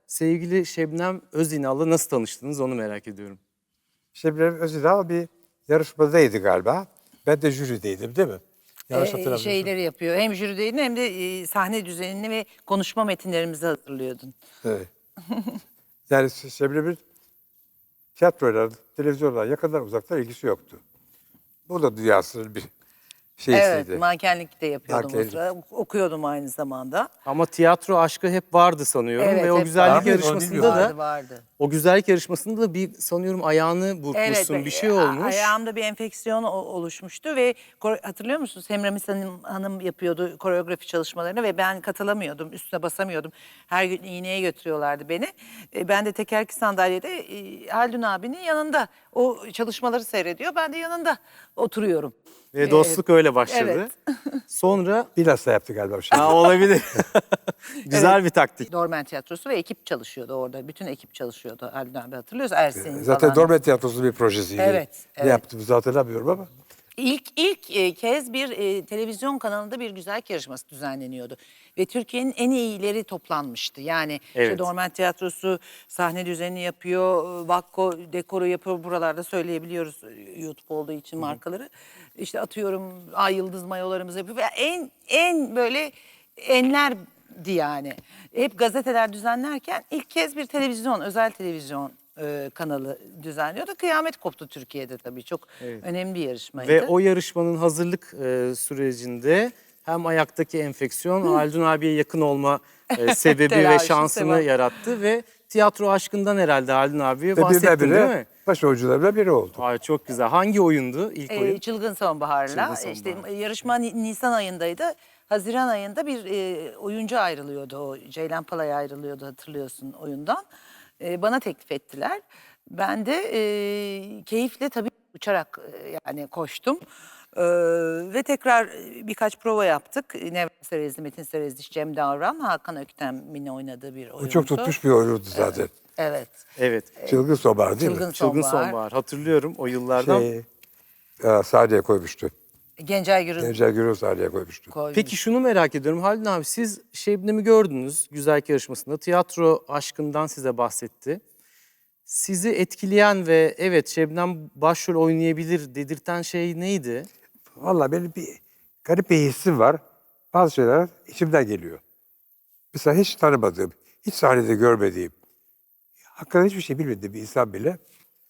sevgili Şebnem Özinal'la nasıl tanıştınız onu merak ediyorum. Şebnem Özinal bir yarışmadaydı galiba. Ben de jürideydim değil mi? Yanlış hatırlamıyorsam. Şeyleri yapıyor. Hem jürideydin hem de sahne düzenini ve konuşma metinlerimizi hazırlıyordun. Evet. Yani Şebnem'in tiyatroyla, televizyonla yakından uzaktan ilgisi yoktu. Bu da dünyasının bir şeysiydi. Evet, mankenlik de yapıyordum o Mankenlik. sıra. Okuyordum aynı zamanda. Ama tiyatro aşkı hep vardı sanıyorum Evet, ve o hep güzellik vardı. yarışmasında Onu da Vardı. o güzellik yarışmasında da bir sanıyorum ayağını burkmuşsun, bir şey olmuş. Ayağımda bir enfeksiyon oluşmuştu ve hatırlıyor musunuz? Semramis Hanım yapıyordu koreografi çalışmalarını ve ben katılamıyordum, üstüne basamıyordum. Her gün iğneye götürüyorlardı beni. Ben de tekerlekli sandalyede Haldun abinin yanında o çalışmaları seyrediyor. Ben de yanında oturuyorum. Ve dostluk öyle başladı. Evet. Sonra Bilhassa yaptı galiba bir şey. olabilir. Güzel bir taktik. Dormen Tiyatrosu ve ekip çalışıyordu orada. Bütün ekip çalışıyordu Haldun abi, hatırlıyoruz. Ersin Zaten falan. Dormen Tiyatrosu'nun bir projesiydi. Evet, Ne evet. yaptığımızı hatırlamıyorum ama. İlk kez bir televizyon kanalında bir güzellik yarışması düzenleniyordu. Ve Türkiye'nin en iyileri toplanmıştı. Yani işte Evet. Dormen Tiyatrosu sahne düzenini yapıyor, Vakko dekoru yapıyor. Buralarda söyleyebiliyoruz YouTube olduğu için markaları. İşte atıyorum Ay Yıldız mayolarımızı yapıyor. Ve en böyle enlerdi yani. Hep gazeteler düzenlerken ilk kez bir televizyon, özel televizyon kanalı düzenliyordu. Kıyamet koptu Türkiye'de tabii. Çok önemli bir yarışmaydı. Ve o yarışmanın hazırlık sürecinde hem ayaktaki enfeksiyon Haldun abiye yakın olma sebebi ve Telaşı, şansını sevap. yarattı ve tiyatro aşkından herhalde Haldun abiye Ve bahsettin değil mi? birdenbire baş oyuncularımdan biri oldu. Ay çok güzel. Hangi oyundu ilk oyun? Çılgın Sonbahar'la. Çılgın İşte Sonbahar. yarışma Nisan ayındaydı. Haziran ayında bir oyuncu ayrılıyordu. O Ceylan Palay ayrılıyordu, hatırlıyorsun oyundan. Bana teklif ettiler. Ben de keyifle tabii uçarak yani koştum. Ve tekrar birkaç prova yaptık. Nevra Serezli, Metin Serezli, Cem Davran, Hakan Öktem'in oynadığı bir O oyundu. çok tutmuş bir oyundu zaten. Evet. Evet. Çılgın Sonbahar değil mi? Çılgın Sonbahar. Sonbahar. Hatırlıyorum o yıllardan. Sahneye koymuştu. Gencay Gürül Gencer Gürül sahneye koymuştu. koymuş. Peki şunu merak ediyorum Haldun abi, siz Şebnem'i gördünüz güzellik yarışmasında. Tiyatro aşkından size bahsetti. Sizi etkileyen ve evet Şebnem başrol oynayabilir dedirten şey neydi? Vallahi benim bir garip bir hissim var. Bazı şeyler içimden geliyor. Mesela hiç tanımadığım, hiç sahnede görmediğim, hakkında hiçbir şey bilmediğim bir insan bile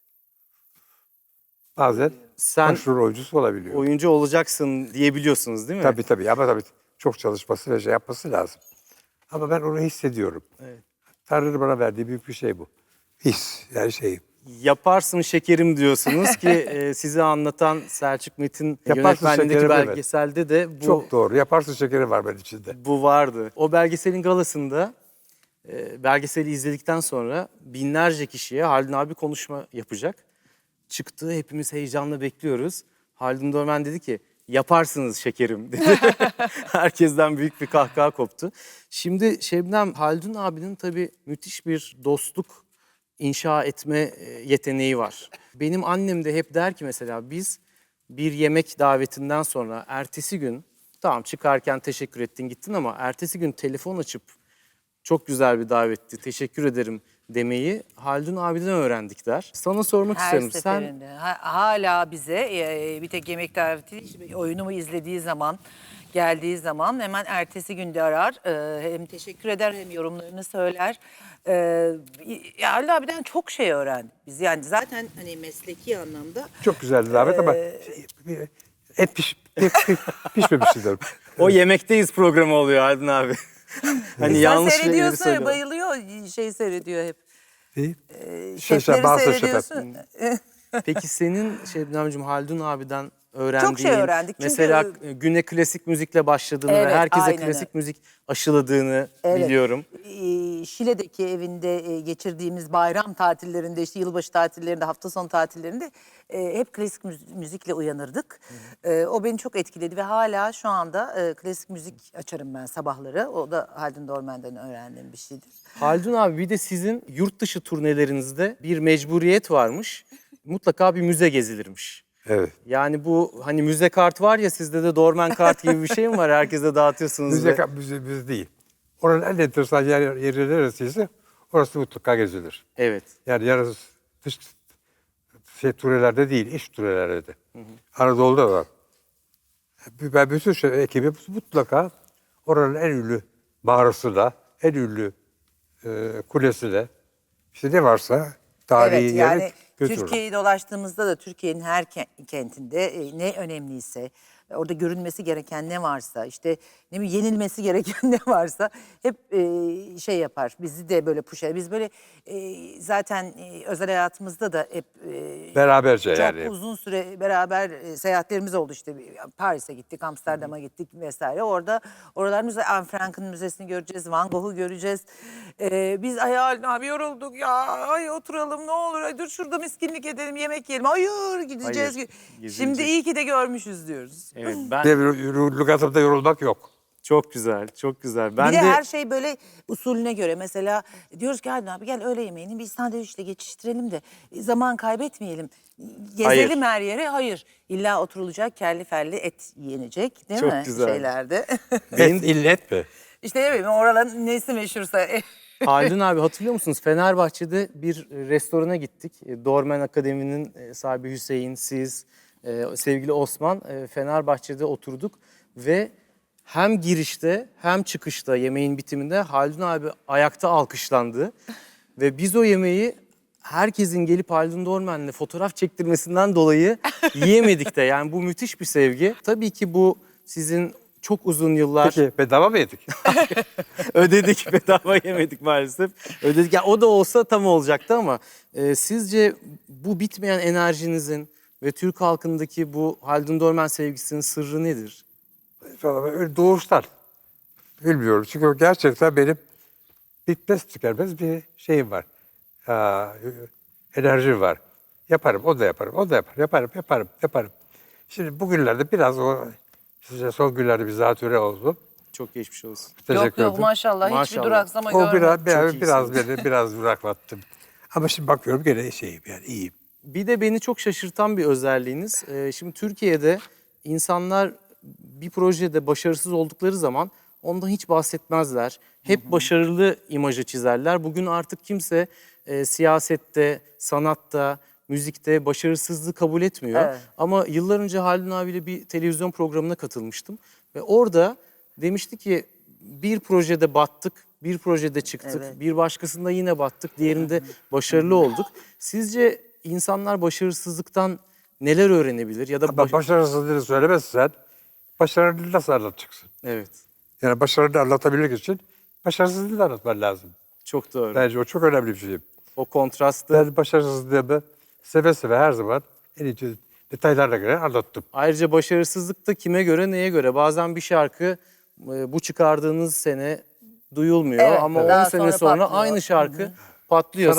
bazen Sen başrol oyuncusu olabiliyor. oyuncu olacaksın diyebiliyorsunuz değil mi? Tabii ama tabii çok çalışması ve şey yapması lazım. Ama ben onu hissediyorum. Evet. Tanrı'nın bana verdiği büyük bir şey bu. His, yani şey. Yaparsın şekerim diyorsunuz ki sizi anlatan Selçuk Metin Yaparsın yönetmenliğindeki şekerim, evet. belgeselde de bu Çok doğru. Yaparsın şekeri var benim içinde. bu vardı. O belgeselin galasında belgeseli izledikten sonra binlerce kişiye Haldun abi konuşma yapacak. Çıktı, hepimiz heyecanla bekliyoruz. Haldun Dormen dedi ki yaparsınız şekerim dedi. Herkesten büyük bir kahkaha koptu. Şimdi Şebnem, Haldun abinin tabii müthiş bir dostluk inşa etme yeteneği var. Benim annem de hep der ki mesela biz bir yemek davetinden sonra ertesi gün tamam çıkarken teşekkür ettin gittin ama ertesi gün telefon açıp çok güzel bir davetti teşekkür ederim demeyi Haldun abiden öğrendik der. Sana sormak Her istiyorum. seferinde. Hala bize bir tek yemek daveti değil, oyunumu izlediği zaman, geldiği zaman hemen ertesi günde arar. Hem teşekkür eder hem yorumlarını söyler. Halil abiden çok şey öğrendik biz. Yani zaten hani mesleki anlamda. Çok güzeldi davet ama et pişmemişti derim. O yemekteyiz programı oluyor Haldun abi. Hani Sen yanlış şeyleri seyrediyorsun, söylüyor. bayılıyor, seyrediyor hep. Şefleri Şefleri seyrediyorsun. seyrediyorsun. Peki senin Şebnemciğim Haldun abiden öğrendiğin, Çok şey öğrendik çünkü- mesela güne klasik müzikle başladığını ve Evet, herkese aynen klasik öyle. müzik aşıladığını Evet. biliyorum. Şile'deki evinde geçirdiğimiz bayram tatillerinde, işte yılbaşı tatillerinde, hafta sonu tatillerinde hep klasik müzikle uyanırdık. O beni çok etkiledi ve hala şu anda klasik müzik açarım ben sabahları. O da Haldun Dormen'den öğrendiğim bir şeydir. Haldun abi bir de sizin yurt dışı turnelerinizde bir mecburiyet varmış. Mutlaka bir müze gezilirmiş. Evet. Yani bu hani müze kart var ya sizde de Dormen kart gibi bir şey mi var? Herkese dağıtıyorsunuz. Müze değil. Oranın en enteresan yeri neresiyse Orası mutlaka gezilir. Evet. Yani yalnız dış turelerde değil, iç turelerde de. Anadolu'da var. Ben bütün ekibi mutlaka oranın en ünlü mağarası da, en ünlü kulesi de, işte ne varsa tarihi Evet, yeri yani götürürüm. Türkiye'yi dolaştığımızda da Türkiye'nin her kentinde ne önemliyse, orada görünmesi gereken ne varsa, işte ne bileyim yenilmesi gereken ne varsa hep şey yapar. Bizi de böyle push eder. Biz böyle zaten özel hayatımızda da hep Beraberce çok yani. uzun süre beraber seyahatlerimiz oldu işte. Paris'e gittik, Amsterdam'a gittik vesaire. Oralar müze, Anne Frank'ın müzesini göreceğiz, Van Gogh'u göreceğiz. Biz ay Halil abi yorulduk ya, ay oturalım ne olur, ay dur şurada miskinlik edelim, yemek yiyelim. Hayır gideceğiz. Hayır, Şimdi gezilecek. iyi ki de görmüşüz diyoruz. Evet, Lügatımda yorulmak yok. çok güzel, çok güzel. Ben Bir de de her şey böyle usulüne göre. Mesela diyoruz ki Halil abi gel öğle yemeğini bir sandviçle geçiştirelim de zaman kaybetmeyelim. Gezelim Hayır. her yere. Hayır. İlla oturulacak kelli felli et yenecek değil Çok mi? güzel. Şeylerde. Et illet mi? İşte ne bileyim oraların nesi meşhursa. Haldun abi hatırlıyor musunuz? Fenerbahçe'de bir restorana gittik. Dormen Akademi'nin sahibi Hüseyin, siz, sevgili Osman Fenerbahçe'de oturduk ve hem girişte hem çıkışta yemeğin bitiminde Haldun abi ayakta alkışlandı. Ve biz o yemeği herkesin gelip Haldun Dormen'le fotoğraf çektirmesinden dolayı yiyemedik de. Yani bu müthiş bir sevgi. Tabii ki bu sizin çok uzun yıllar Peki bedava mı yedik? ödedik, bedava yemedik maalesef. Ödedik. Ya o da olsa tam olacaktı ama sizce bu bitmeyen enerjinizin ve Türk halkındaki bu Haldun Dormen sevgisinin sırrı nedir? Öyle doğuştan. Bilmiyorum. Çünkü gerçekten benim bitmez tükenmez bir şeyim var. Enerjim var. Yaparım, o da yaparım, o da yaparım, yaparım. Şimdi bugünlerde biraz size son günlerde bir zatürre oldu. Çok geçmiş olsun. Yok Teşekkür yok ederim. maşallah, hiçbir Maşallah. duraksama O görmedim. biraz beni biraz duraklattım. Ama şimdi bakıyorum gene şeyim yani iyiyim. Bir de beni çok şaşırtan bir özelliğiniz. Şimdi Türkiye'de insanlar bir projede başarısız oldukları zaman ondan hiç bahsetmezler. Hep başarılı imajı çizerler. Bugün artık kimse siyasette, sanatta, müzikte başarısızlığı kabul etmiyor. Evet. Ama yıllar önce Haldun abiyle bir televizyon programına katılmıştım. Ve orada demişti ki bir projede battık, bir projede çıktık, Evet. bir başkasında yine battık, diğerinde başarılı olduk. Sizce insanlar başarısızlıktan neler öğrenebilir ya da Ama başarısızlığını söylemezsen başarını nasıl anlatacaksın? evet, Yani başarını anlatabilmek için başarısızlığını anlatman lazım. çok doğru. Bence o çok önemli bir şey. O kontrastı. Ben başarısızlığımı seve seve her zaman en ince detaylarına göre anlattım. Ayrıca başarısızlık da kime göre, neye göre? Bazen bir şarkı bu çıkardığınız sene duyulmuyor Evet, ama 10 daha sene sonra sonra patlıyor. aynı şarkı patlıyor.